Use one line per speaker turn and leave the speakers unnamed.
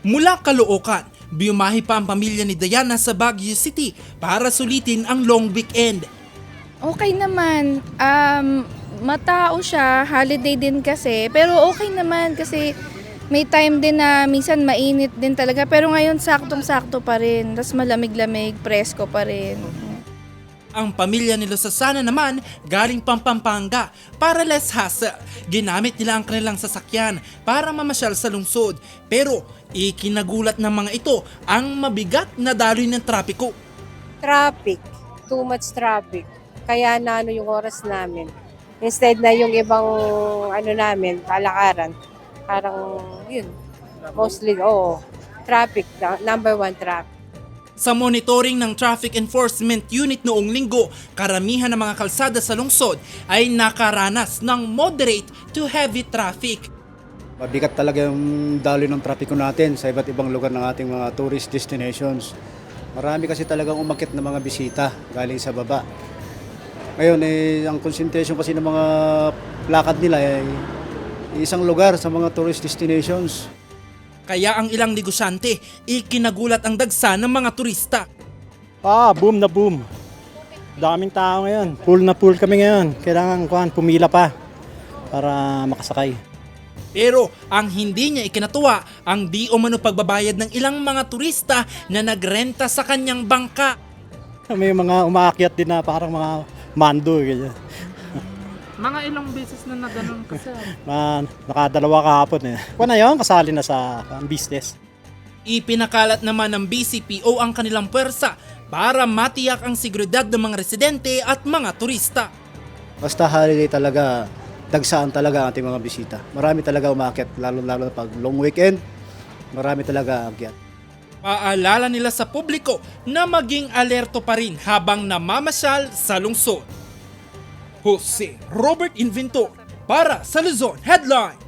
Mula Caloocan, biyumahi pa ang pamilya ni Diana sa Baguio City para sulitin ang long weekend.
Okay naman. Matao siya, holiday din kasi. Pero okay naman kasi may time din na minsan mainit din talaga. Pero ngayon saktong-sakto pa rin. Tapos malamig-lamig, presko pa rin.
Ang pamilya ni Losasana naman galing Pampanga para less hassle. Ginamit nila ang kanilang sasakyan para mamasyal sa lungsod. Pero ikinagulat ng mga ito ang mabigat na daloy ng trapiko.
Traffic, too much traffic. Kaya na yung oras namin. Instead na yung ibang namin, kalakaran, parang yun, mostly, traffic, number one traffic.
Sa monitoring ng Traffic Enforcement Unit noong linggo, karamihan ng mga kalsada sa lungsod ay nakaranas ng moderate to heavy traffic.
Mabigat talaga yung daloy ng trapiko natin sa iba't ibang lugar ng ating mga tourist destinations. Marami kasi talagang umakyat na mga bisita galing sa baba. Ngayon, ang concentration kasi ng mga lakad nila ay isang lugar sa mga tourist destinations.
Kaya ang ilang negosyante, ikinagulat ang dagsa ng mga turista.
Boom na boom. Daming tao ngayon. Full na full kami ngayon. Kailangan pumila pa para makasakay.
Pero ang hindi niya ikinatuwa ang di umano pagbabayad ng ilang mga turista na nagrenta sa kanyang bangka.
May mga umaakyat din na parang mga mando. Ganyan.
Mga ilang beses na naganon ka sir?
Nakadalawa kahapon eh. Na yun, kasali na sa business.
Ipinakalat naman ng BCPO ang kanilang puwersa para matiyak ang seguridad ng mga residente at mga turista.
Basta holiday talaga, dagsaan talaga ang ating mga bisita. Marami talaga umakyat, lalo-lalo pag long weekend, marami talaga akyat.
Paalala nila sa publiko na maging alerto pa rin habang namamasyal sa lungsod. Jose Robert Inventor para sa Luzon Headline.